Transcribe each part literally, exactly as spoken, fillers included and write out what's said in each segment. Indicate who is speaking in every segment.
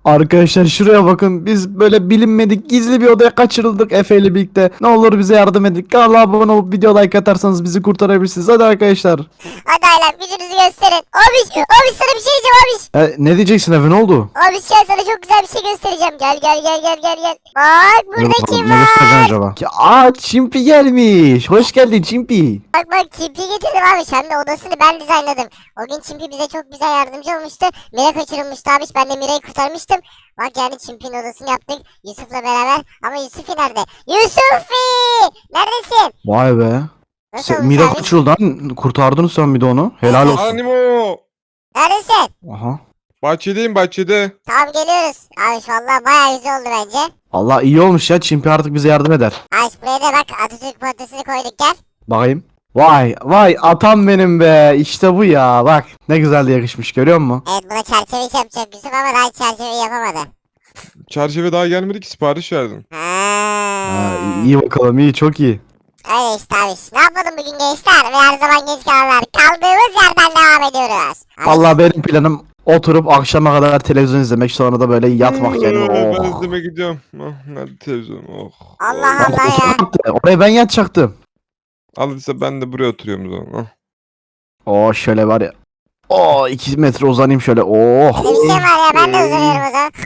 Speaker 1: Arkadaşlar şuraya bakın. Biz böyle bilinmedik gizli bir odaya kaçırıldık Efe ile birlikte. Ne olur bize yardım edin. Kanala abone olup video like atarsanız bizi kurtarabilirsiniz. Hadi arkadaşlar.
Speaker 2: Hadi ailem gücünüzü gösterin. Abiş, abiş sana bir şey diyeceğim abiş.
Speaker 1: E, ne diyeceksin Efe, ne oldu?
Speaker 2: Abiş gel sana çok güzel bir şey göstereceğim. Gel gel gel gel gel gel. Bak
Speaker 1: Ne
Speaker 2: burada
Speaker 1: bakalım,
Speaker 2: kim
Speaker 1: ne göstereceksin
Speaker 2: var?
Speaker 1: acaba? Ki, aa Çimpi gelmiş. Hoş geldin Çimpi.
Speaker 2: Bak bak Çimpi getirdim abiş. Hem de odasını ben dizaynladım. O gün Çimpi bize çok güzel yardımcı olmuştu. Mira kaçırılmıştı abiş. Ben de Mira'yı kurtarmıştım. Bak yani Çimpi'nin odasını yaptık. Yusuf'la beraber. Ama Yusuf'i nerede? Yusuf'i! Neredesin?
Speaker 1: Vay be.
Speaker 2: Nasıl
Speaker 1: Se,
Speaker 2: olmuş
Speaker 1: Mira
Speaker 2: abiş?
Speaker 1: kaçırıldı lan. Kurtardın sen bir de onu. Helal olsun.
Speaker 3: Animo.
Speaker 2: Neredesin?
Speaker 1: Aha.
Speaker 3: Bahçedeyim bahçede.
Speaker 2: Tamam geliyoruz. Abiş valla bayağı güzel oldu bence.
Speaker 1: Allah iyi olmuş ya. Çimpi artık bize yardım eder.
Speaker 2: Abiş buraya da bak Atatürk portresini koyduk gel.
Speaker 1: Bakayım. Vay vay atam benim be. İşte bu ya. Bak ne güzel de yakışmış, görüyor musun?
Speaker 2: Evet buna çerçeve iş yapacak Yusuf ama daha çerçeveyi yapamadı.
Speaker 3: Çerçeve daha gelmedi ki, sipariş verdim.
Speaker 2: Ha.
Speaker 1: Ha, iyi bakalım, iyi, çok iyi.
Speaker 2: Öyle işte abi. Ne yapalım bugün gençler ve her zaman genç kalanlar. Kaldığımız yerden devam ediyoruz. Abi,
Speaker 1: Vallahi benim planım oturup akşama kadar televizyon izlemek, sonra da böyle yatmak yani.
Speaker 3: Ee, Ben
Speaker 1: Oh.
Speaker 3: izleme gidiyorum. Oh, nerede televizyon? Oh.
Speaker 2: Allah
Speaker 3: Oh.
Speaker 2: Allah ya.
Speaker 1: Oraya ben yatacaktım.
Speaker 3: Al işte, ben de buraya oturuyorum o zaman. Oh.
Speaker 1: Oo şöyle var ya. Oo iki metre uzanayım şöyle. Oh.
Speaker 2: Öyle bir şey var ya ben de uzanıyorum o zaman.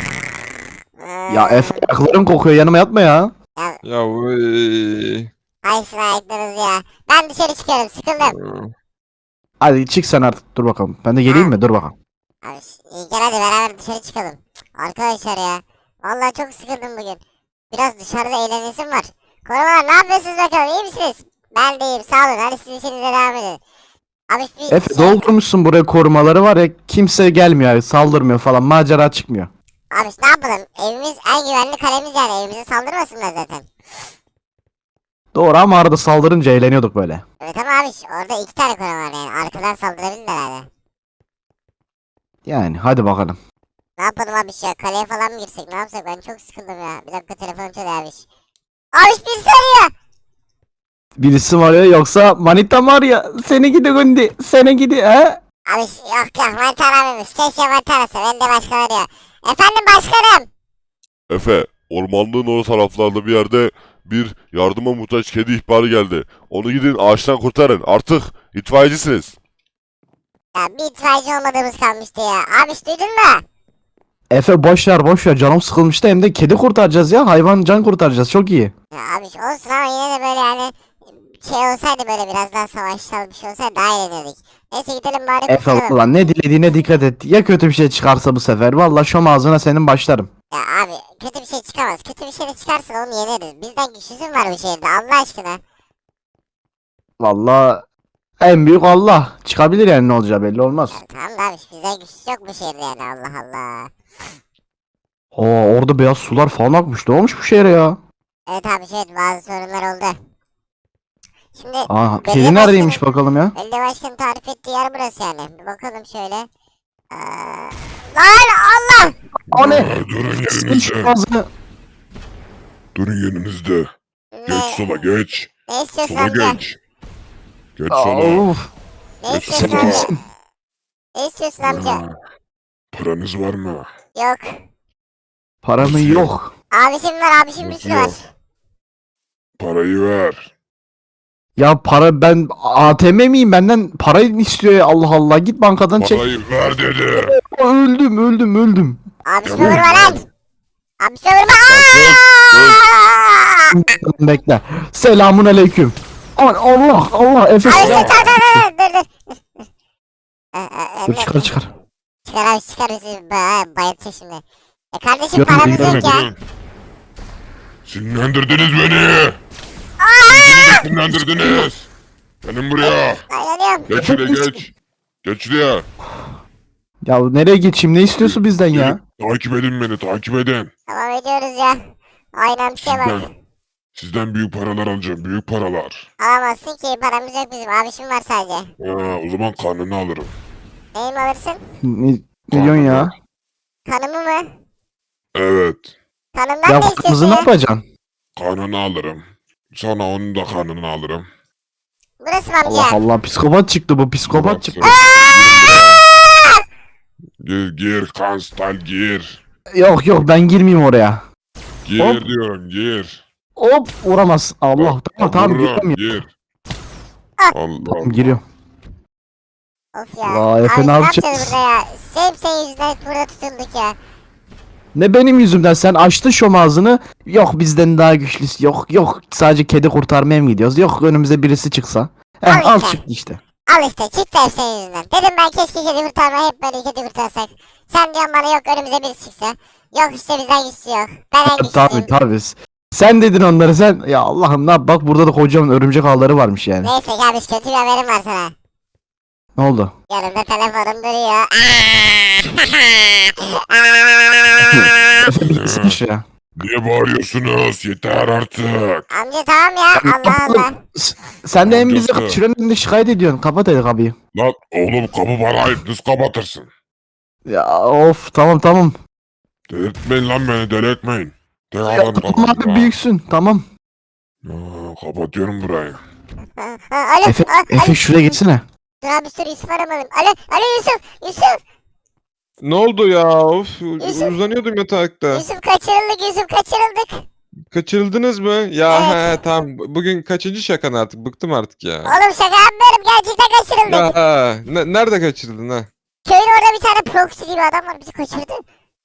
Speaker 1: Ya Efe, ayaklarım kokuyor, yanıma yatma ya.
Speaker 2: Ya
Speaker 3: Ya vay.
Speaker 2: ayısın ayaklarınız ya. Ben dışarı çıkıyorum sıkıldım.
Speaker 1: Hadi çık sen artık, dur bakalım. Ben de geleyim mi? Dur bakalım.
Speaker 2: Abi iyi gel hadi beraber dışarı çıkalım. Arkadaşlar ya. Vallahi çok sıkıldım bugün. Biraz dışarıda eğlenesim var. Korumalar ne yapıyorsunuz bakalım, iyi misiniz? Ben de iyiyim, sağ olun. Hadi siz işinize devam edin. Abi bir
Speaker 1: Efe
Speaker 2: şey...
Speaker 1: doldurmuşsun buraya korumaları, var ya, kimse gelmiyor, saldırmıyor falan, macera çıkmıyor.
Speaker 2: Abi ne yapalım? Evimiz en güvenli kalemiz yani. Evimize saldırmasınlar zaten.
Speaker 1: Doğru, ama arada saldırınca eğleniyorduk böyle.
Speaker 2: Evet ama abi orada iki tane koruma var yani. Arkadan saldırabilirler herhalde.
Speaker 1: Yani hadi bakalım.
Speaker 2: Ne yapalım abi ya? Kaleye falan mı girsek? Ne yapsak? Ben çok sıkıldım ya. Bir dakika telefon çalıyor abi. Abi birisi arıyor.
Speaker 1: Birisi var ya, yoksa manita var ya, seni gidi gündi, seni gidi he?
Speaker 2: Abi yok yok manita aramıyormuş. Keşke manita arasa. Ben de başkan arıyor. Efendim başkanım.
Speaker 4: Efe, ormanlığın o taraflarda bir yerde bir yardıma muhtaç kedi ihbarı geldi. Onu gidin ağaçtan kurtarın. Artık itfaiyecisiniz.
Speaker 2: Ya bir itfaiyeci olmadığımız kalmıştı ya. Abi duydun mu?
Speaker 1: Efe boş ver boş ver, canım sıkılmıştı, hem de kedi kurtaracağız ya, hayvan can kurtaracağız, çok iyi.
Speaker 2: Ya abi olsun ama yine de böyle yani şey olsaydı, böyle biraz daha savaşsal bir şey olsaydı daha eğlenirdik. Neyse gidelim bari
Speaker 1: Efe
Speaker 2: kurtaralım.
Speaker 1: ulan ne dilediğine dikkat et, ya kötü bir şey çıkarsa bu sefer, valla şom ağzına senin başlarım.
Speaker 2: Ya abi kötü bir şey çıkamaz. Kötü bir şey de çıkarsa onu yeneriz. Bizden güçsüzün var bu şehirde Allah aşkına.
Speaker 1: Valla en büyük Allah, çıkabilir yani, ne olacağı belli olmaz.
Speaker 2: Ya, tamam da abi bizden güçsüz yok bu şehirde yani Allah Allah.
Speaker 1: Oo orada beyaz sular falan akmış, ne olmuş bu şehre ya?
Speaker 2: Evet abi şey bazı sorunlar oldu. Şimdi
Speaker 1: Aa
Speaker 2: belediye
Speaker 1: kedi neredeymiş
Speaker 2: başkanı-
Speaker 1: bakalım ya?
Speaker 2: Belediye başkanı tarif ettiği yer burası yani. Bir bakalım şöyle. Ee, lan Allah!
Speaker 1: O ne?
Speaker 5: Aa, durun
Speaker 1: Sıçmış
Speaker 5: yerinizde.
Speaker 1: ağzını.
Speaker 5: Durun yerinizde. Geç sola geç.
Speaker 2: Ne istiyorsun
Speaker 5: Sola
Speaker 2: amca?
Speaker 5: geç. Geç
Speaker 1: Aa,
Speaker 5: sola.
Speaker 1: of.
Speaker 2: Ne
Speaker 5: Geç
Speaker 2: istiyorsun
Speaker 5: sola.
Speaker 2: amca? Ne istiyorsun amca?
Speaker 5: Aa, Paranız var mı?
Speaker 2: Yok.
Speaker 1: Paramı
Speaker 5: Nasıl
Speaker 1: yok.
Speaker 2: Abişim var abişim bir
Speaker 5: Nasıl
Speaker 2: sürü var.
Speaker 5: yok? Parayı ver.
Speaker 1: Ya para, ben A T M miyim, benden para istiyor ya, Allah Allah, git bankadan çek.
Speaker 5: Parayı ver dedi.
Speaker 1: Aa, öldüm öldüm öldüm.
Speaker 2: Abişime
Speaker 5: Tamam.
Speaker 2: vurma lan! Abişime vurma! Aaaaaa!
Speaker 1: Bekle. Selamun aleyküm. Aman Allah Allah, Efe
Speaker 2: Abi
Speaker 1: silah.
Speaker 2: çıkar dur dur dur. Ee, e,
Speaker 1: Dur
Speaker 2: Emre,
Speaker 1: çıkar çıkar.
Speaker 2: çıkar abi çıkar bizi ba- bayıltacak şimdi. E kardeşim
Speaker 1: Görün,
Speaker 2: paramız
Speaker 1: görün,
Speaker 2: yok ya.
Speaker 5: Durun. Sinirlendirdiniz beni. Beni de sinirlendirdiniz. Gelin buraya.
Speaker 2: Dayanıyorum.
Speaker 5: Geç şuraya geç. Geç şuraya.
Speaker 1: Ya nereye geçeyim, ne istiyorsun bizden ya?
Speaker 5: Takip edin beni, takip edin.
Speaker 2: Tamam ediyoruz ya. Aynen bir şey bak.
Speaker 5: Sizden, sizden büyük paralar alacağım, büyük paralar.
Speaker 2: Alamazsın ki paramız yok bizim. Abişim var sadece.
Speaker 5: Ha, o zaman karnını alırım.
Speaker 2: Neyimi alırsın?
Speaker 1: Ne, ne diyorsun ya?
Speaker 2: Kanımı mı?
Speaker 5: Evet,
Speaker 2: Kanımdan
Speaker 1: Ya
Speaker 2: ne istiyorsun
Speaker 1: kızı ne
Speaker 2: ya?
Speaker 1: yapacaksın?
Speaker 5: karnını alırım. Sonra onun da karnını alırım.
Speaker 2: Burası mı
Speaker 1: Allah
Speaker 2: amca?
Speaker 1: Allah, psikopat çıktı bu, psikopat çıktı.
Speaker 5: Gir, gir, Kanstal gir.
Speaker 1: Yok yok ben girmeyeyim oraya.
Speaker 5: Gir
Speaker 1: Hop.
Speaker 5: diyorum gir.
Speaker 1: Hop vuramaz. Allah tamam tamam
Speaker 5: Vururum,
Speaker 1: giremiyorum.
Speaker 5: gir. Allah Allah.
Speaker 1: Giriyorum.
Speaker 2: Of ya.
Speaker 1: Vay, Efe,
Speaker 2: abi
Speaker 1: ne
Speaker 2: ne
Speaker 1: yapacağız?
Speaker 2: yapacağız burada ya? Hep senin yüzünden burada tutunduk ya.
Speaker 1: Ne benim yüzümden sen açtın şom ağzını. Yok bizden daha güçlüsü yok. Yok sadece kedi kurtarmaya mı gidiyoruz? Yok önümüze birisi çıksa. Heh,
Speaker 2: Al
Speaker 1: al
Speaker 2: işte.
Speaker 1: çıktı işte.
Speaker 2: Al işte çıktı hep senin yüzünden. Dedim ben keşke kedi kurtarma hep böyle kedi kurtarsak. Sen diyorsun bana yok önümüze birisi çıksa. Yok işte bizden güçlü yok. Ben en
Speaker 1: Tabii
Speaker 2: güçlüyüm.
Speaker 1: tabii. Sen dedin onları sen. Ya Allah'ım ne yap bak burada da kocaman örümcek ağları varmış yani.
Speaker 2: Neyse kardeş kötü bir haberim var sana.
Speaker 1: Ne oldu?
Speaker 2: Yanımda telefonum duruyor.
Speaker 1: Efe bir gitsene şuraya.
Speaker 5: Niye bağırıyorsunuz? Yeter artık.
Speaker 2: Amca tamam ya Allah Allah.
Speaker 1: S- Sen de en bizi
Speaker 5: Amcası.
Speaker 1: kaçıranın önünde şikayet ediyorsun. Kapat hadi kapıyı.
Speaker 5: Lan oğlum kapı bana ait. Nasıl kapatırsın?
Speaker 1: Ya of tamam tamam.
Speaker 5: Delirtmeyin lan beni delirtmeyin. Tek
Speaker 1: Ya,
Speaker 5: adam
Speaker 1: tamam
Speaker 5: kapı.
Speaker 1: abi büyüksün tamam.
Speaker 5: Aa, kapatıyorum burayı.
Speaker 2: Ha, ha, Alo,
Speaker 1: Efe,
Speaker 2: a-
Speaker 1: Efe
Speaker 2: alo.
Speaker 1: şuraya geçsene.
Speaker 2: Dur abi dur Yusuf aramalım. Alo, alo Yusuf, Yusuf,
Speaker 3: Ne oldu ya? Of
Speaker 2: Yusuf.
Speaker 3: uzanıyordum yatakta.
Speaker 2: Yusuf kaçırıldık, Yusuf kaçırıldık.
Speaker 3: Kaçırıldınız mı? Ya
Speaker 2: Evet.
Speaker 3: he tamam. Bugün kaçıncı şakan artık? Bıktım artık ya.
Speaker 2: Oğlum şaka yapmıyorum, gerçekten kaçırıldık.
Speaker 3: Ya ne- nerede kaçırıldın ha?
Speaker 2: Köyün orada bir tane proxy gibi adam var, bizi kaçırdı.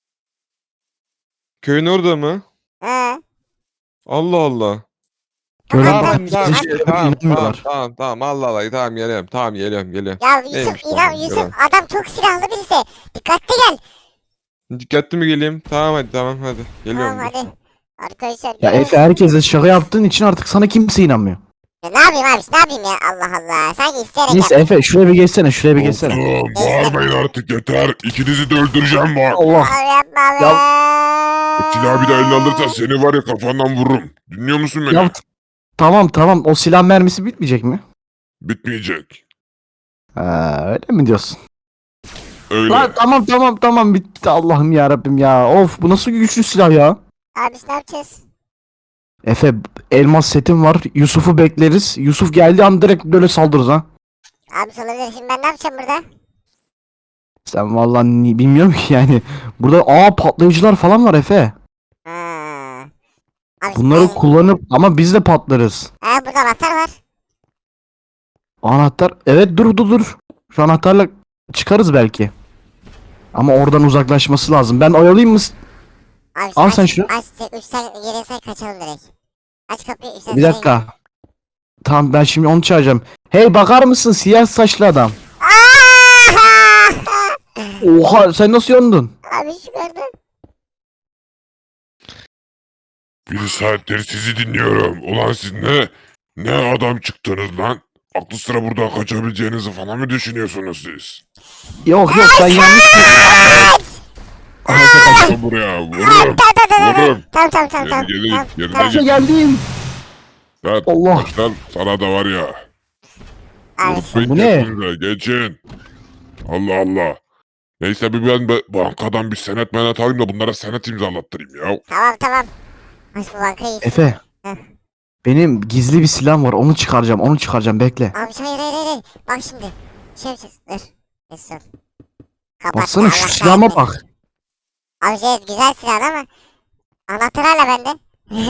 Speaker 3: Köyün orada mı?
Speaker 2: He.
Speaker 3: Allah Allah.
Speaker 1: Gören
Speaker 2: Tamam,
Speaker 1: bak
Speaker 3: Tamam
Speaker 1: bize
Speaker 3: tamam
Speaker 1: hiçbir
Speaker 3: tamam
Speaker 1: şey
Speaker 3: tamam
Speaker 1: inanmıyorlar.
Speaker 3: tamam tamam Allah Allah tamam geliyorum tamam geliyorum geliyorum.
Speaker 2: Ya Yusuf,
Speaker 3: Neymiş
Speaker 2: inan
Speaker 3: tamam,
Speaker 2: Yusuf,
Speaker 3: yalan.
Speaker 2: adam çok silahlı birisi. Dikkatli gel.
Speaker 3: Dikkatli mi geleyim? Tamam hadi tamam hadi. Geliyorum.
Speaker 2: Tamam
Speaker 3: dur.
Speaker 2: hadi. Arkadaşlar.
Speaker 1: Ya
Speaker 2: evet.
Speaker 1: Efe herkese şaka yaptığın için artık sana kimse inanmıyor.
Speaker 2: Ya ne yapayım abi, ne yapayım ya, Allah Allah. Sanki isteyerek
Speaker 1: Neyse
Speaker 2: yap.
Speaker 1: Efe şuraya bir geçsene şuraya bir geçsene.
Speaker 5: Dostum bağırmayın artık yeter. İkinizi de öldüreceğim bak.
Speaker 1: Allah.
Speaker 2: Abi yapma be.
Speaker 5: Silahı bir daha eline alırsan seni var ya kafandan vururum. Dinliyor musun beni?
Speaker 1: Ya, t- tamam tamam o silah mermisi bitmeyecek mi?
Speaker 5: Bitmeyecek.
Speaker 1: Ha, öyle mi diyorsun?
Speaker 5: Öyle.
Speaker 1: Lan tamam tamam tamam bitti Allah'ım ya Rabbim ya. Of bu nasıl güçlü silah ya?
Speaker 2: Abi ne yapacağız?
Speaker 1: Efe elmas setim var. Yusuf'u bekleriz. Yusuf geldiği an direkt böyle saldırırız ha.
Speaker 2: Abi olabilir, şimdi ben ne yapacağım burada?
Speaker 1: Sen vallahi ni- bilmiyorum ki yani. Burada aa patlayıcılar falan var Efe.
Speaker 2: Ha. Abi
Speaker 1: Bunları
Speaker 2: ben-
Speaker 1: kullanıp ama biz de patlarız.
Speaker 2: Ha, burada anahtar var.
Speaker 1: Anahtar. Evet dur dur dur. Şu anahtarla çıkarız belki. Ama oradan uzaklaşması lazım. Ben oyalayayım mı?
Speaker 2: Abi
Speaker 1: Al
Speaker 2: aç,
Speaker 1: sen şunu.
Speaker 2: Aç, üç sen geriye say kaçalım direkt. Aç kapıyı, üç sen
Speaker 1: Bir
Speaker 2: say.
Speaker 1: dakika. Tamam ben şimdi onu çağıracağım. Hey bakar mısın siyah saçlı adam.
Speaker 2: Aa!
Speaker 1: Oha sen nasıl yandın?
Speaker 2: Abi şu gördün.
Speaker 5: Bir saattir sizi dinliyorum. Ulan siz ne? Ne adam çıktınız lan? Aklı sıra buradan kaçabileceğinizi falan mı düşünüyorsunuz siz?
Speaker 1: Yok yok sen yanlış.
Speaker 5: Kaçın buraya. Vururum.
Speaker 2: Tamam tamam tamam.
Speaker 5: Vururum.
Speaker 2: Tamam tamam tamam tamam.
Speaker 5: Geri gelin,
Speaker 2: Tamam,
Speaker 5: geri
Speaker 2: tamam.
Speaker 5: gelin.
Speaker 1: geldim.
Speaker 5: Lan
Speaker 1: Allah.
Speaker 5: kaç lan sana da var ya.
Speaker 2: Abi
Speaker 5: Unutmayın
Speaker 1: Bu ne?
Speaker 5: geçinize, geçin. Allah Allah. Neyse bir ben be- bankadan bir senet menet alayım da bunlara senet imzalattırayım ya.
Speaker 2: tamam tamam. Aç bu bankayı.
Speaker 1: Efe.
Speaker 2: Heh.
Speaker 1: Benim gizli bir silahım var. Onu çıkaracağım. Onu çıkaracağım. Bekle.
Speaker 2: Abi hayır hayır hayır. Bak şimdi. Şey yapacağız. Dur. Resul. Kapat.
Speaker 1: Baksana
Speaker 2: Allah
Speaker 1: şu silahıma
Speaker 2: kahretmesin.
Speaker 1: bak.
Speaker 2: Abi şey güzel silah ama. Anahtar hala bende.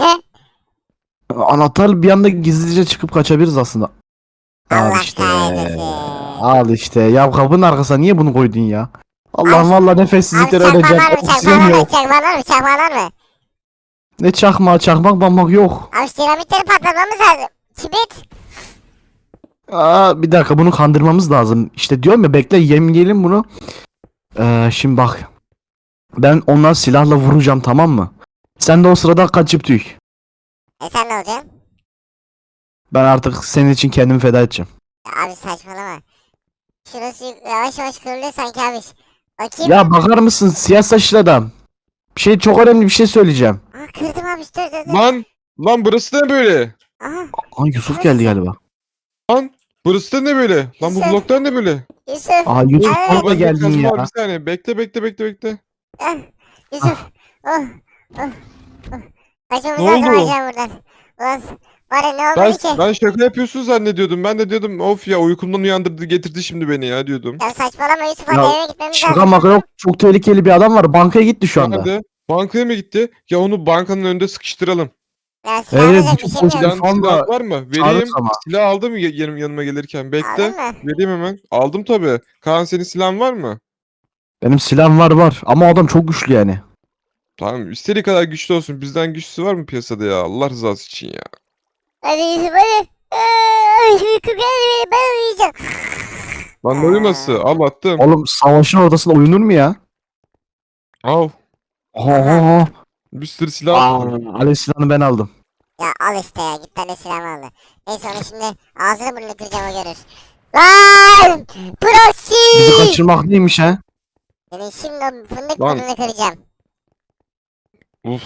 Speaker 1: Anahtar bir anda gizlice çıkıp kaçabiliriz aslında. Al
Speaker 2: Allah
Speaker 1: işte.
Speaker 2: kahretmesin.
Speaker 1: Al işte. Ya kapının arkasına niye bunu koydun ya? Allah'ım
Speaker 2: Abi-
Speaker 1: valla
Speaker 2: Abi
Speaker 1: nefessizlikten
Speaker 2: çakma
Speaker 1: öleceğim.
Speaker 2: var mı? Çakma
Speaker 1: Oksijen
Speaker 2: var mı?
Speaker 1: yok.
Speaker 2: Çakma var mı? Çakma var mı?
Speaker 1: Ne çakma çakmak bambak yok.
Speaker 2: Abi şu dinamitleri patlatmamız lazım. Kibrit.
Speaker 1: Aa, bir dakika bunu kandırmamız lazım. İşte diyorum ya bekle yemleyelim bunu. Ee, şimdi bak. Ben onları silahla vuracağım tamam mı? Sen de o sırada kaçıp tüy.
Speaker 2: E sen ne olacaksın?
Speaker 1: Ben artık senin için kendimi feda edeceğim.
Speaker 2: Ya abi saçmalama. Şurası yavaş yavaş kırılıyor sanki abi. Bakayım.
Speaker 1: Ya bakar mısın siyah saçlı adam. Bir şey çok önemli bir şey söyleyeceğim.
Speaker 2: Aa, kırdım abi dur dur dur.
Speaker 3: Lan lan burası ne böyle?
Speaker 2: Aha
Speaker 1: Aa Yusuf geldi galiba.
Speaker 3: Lan burası da ne böyle? Lan bu
Speaker 2: Sen-
Speaker 3: bloklar ne böyle?
Speaker 2: Yusuf.
Speaker 1: Aa Yusuf
Speaker 2: Evet.
Speaker 1: orada
Speaker 3: Bak,
Speaker 1: geldin
Speaker 3: Kazım
Speaker 1: ya.
Speaker 3: abi, Bir saniye bekle bekle bekle bekle.
Speaker 2: Ah, Yusuf. Oh, oh, oh. Kaçmamız
Speaker 3: Ne
Speaker 2: lazım
Speaker 3: oldu?
Speaker 2: acaba buradan. Ulan var ya ne
Speaker 3: Ben,
Speaker 2: olmadı ki?
Speaker 3: ben şaka yapıyorsun zannediyordum. Ben de diyordum of ya uykumdan uyandırdı getirdi şimdi beni ya diyordum.
Speaker 2: Ya saçmalama Yusuf hadi
Speaker 1: Ya,
Speaker 2: eve gitmemiz
Speaker 1: Şaka
Speaker 2: lazım.
Speaker 1: maka yok. Çok tehlikeli bir adam var. Bankaya gitti şu anda.
Speaker 3: Nerede? Bankaya mı gitti? Ya onu bankanın önünde sıkıştıralım.
Speaker 2: Ya silah
Speaker 1: Evet,
Speaker 2: alacak bir
Speaker 1: bütün
Speaker 2: şey mi yok?
Speaker 1: polis-
Speaker 3: Silah,
Speaker 1: Sonra
Speaker 3: silah var mı? Vereyim.
Speaker 1: çağırırız ama.
Speaker 3: Silah aldım mı yanım, yanıma gelirken? Bekle.
Speaker 2: Aldın mı?
Speaker 3: Vereyim hemen. Aldım tabii. Kaan senin silahın var mı?
Speaker 1: Benim silahım var var. Ama o adam çok güçlü yani.
Speaker 3: Tamam. İstediği kadar güçlü olsun. Bizden güçlüsü var mı piyasada ya? Allah rızası için ya.
Speaker 2: Hadi Yusuf hadi. Ay uyku geldi benim ben uyuyacağım.
Speaker 3: Lan ne uyuması? Al attım.
Speaker 1: Oğlum savaşın ortasında uyunur mu ya?
Speaker 3: Al.
Speaker 1: Oho.
Speaker 3: Bir sürü silah
Speaker 1: Aa,
Speaker 3: attım.
Speaker 1: Alev silahını ben aldım.
Speaker 2: Ya al işte ya git tane silahımı aldı. Neyse onu şimdi ağzını burnunu kıracağım o görür. Lan! Proxy!
Speaker 1: Bizi kaçırmak neymiş ha?
Speaker 2: Senin şimdi o fındık
Speaker 3: Lan.
Speaker 2: burnunu kıracağım.
Speaker 3: Uf.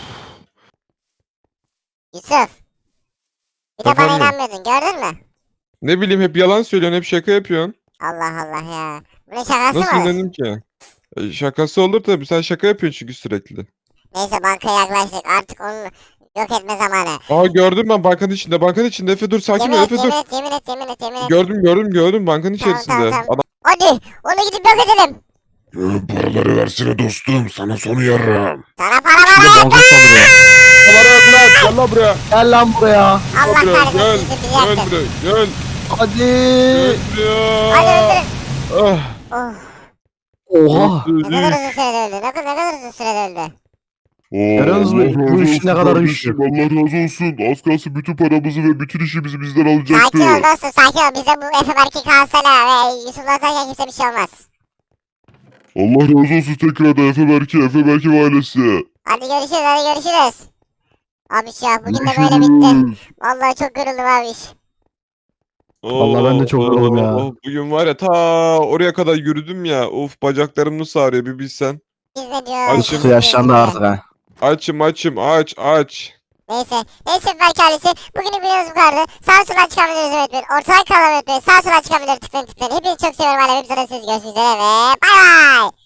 Speaker 2: Yusuf. Bir de bana
Speaker 3: Efendim?
Speaker 2: inanmıyordun gördün mü?
Speaker 3: Ne bileyim hep yalan söylüyorsun. Hep şaka yapıyorsun.
Speaker 2: Allah Allah ya. Bunun şakası
Speaker 3: Nasıl
Speaker 2: mı olur?
Speaker 3: inanayım ki? E, şakası olur tabii. Sen şaka yapıyorsun çünkü sürekli.
Speaker 2: Neyse bankaya yaklaştık artık onu yok etme zamanı.
Speaker 3: Aa gördüm ben bankanın içinde. Bankanın içinde. Efe dur sakin
Speaker 2: Yemin
Speaker 3: ol
Speaker 2: et
Speaker 3: Efe dur.
Speaker 2: yemin et yemin et yemin et yemin et.
Speaker 3: Gördüm gördüm gördüm bankanın
Speaker 2: Tamam,
Speaker 3: içerisinde.
Speaker 2: tamam, tamam.
Speaker 3: Adam
Speaker 2: Hadi onu gidip yok edelim.
Speaker 5: Ee, paraları versene dostum. Sana sonu yarram.
Speaker 2: Sana para
Speaker 1: Bir
Speaker 2: ver.
Speaker 1: de banka saldırıyor.
Speaker 3: Para yok lan. Gel lan buraya.
Speaker 1: Gel lan buraya.
Speaker 2: Allah
Speaker 3: Gel buraya.
Speaker 2: kahretsin
Speaker 3: Gel.
Speaker 2: Yusuf bizi
Speaker 3: Gel
Speaker 2: yaktın.
Speaker 3: buraya. Gel.
Speaker 1: Hadi.
Speaker 3: Gel
Speaker 2: Hadi
Speaker 3: buraya.
Speaker 2: öldürün.
Speaker 3: Ah.
Speaker 2: Oh,
Speaker 1: Oha.
Speaker 2: ne kadar uzun sürede öldü. Ne kadar, ne kadar uzun sürede öldü.
Speaker 5: Oo,
Speaker 1: Helal olsun,
Speaker 5: Allah
Speaker 1: bu
Speaker 5: razı
Speaker 1: iş
Speaker 5: olsun
Speaker 1: ne kadar
Speaker 5: kardeşim,
Speaker 1: güçlü.
Speaker 5: Allah razı olsun. Az kalsın bütün paramızı ve bütün işimizi bizden alacaktı.
Speaker 2: Sakin ol dostum sakin ol. Bize bu Efe Berk'i kalsana ve Yusuf'la atarken kimse bir şey olmaz.
Speaker 5: Allah razı olsun tekrardan Efe Berke, Efe Berke ve ailesi.
Speaker 2: Hadi görüşürüz hadi görüşürüz. Abiş ya bugün de böyle bitti. Vallahi çok yoruldum abiş.
Speaker 1: Vallahi ben de çok yoruldum ya.
Speaker 3: Oh, bugün var ya ta oraya kadar yürüdüm ya. Of bacaklarım nasıl ağrıyor bir bilsen.
Speaker 2: Biz ne diyoruz?
Speaker 3: Açım.
Speaker 1: Yusuf yaşlandı artık ha.
Speaker 3: Açım açım aç aç.
Speaker 2: Neyse. Neyse Berk ailesi. Bugünün videomuz bu kadardı. Sağ sola çıkan videoları izlemeyi unutmayın. Ortadan kanalıma unutmayın. Sağ sola çıkan videoları tıklayın tıklayın. Hepinizi çok seviyorum. Hala hepinize siz görüşmek üzere ve bay bay.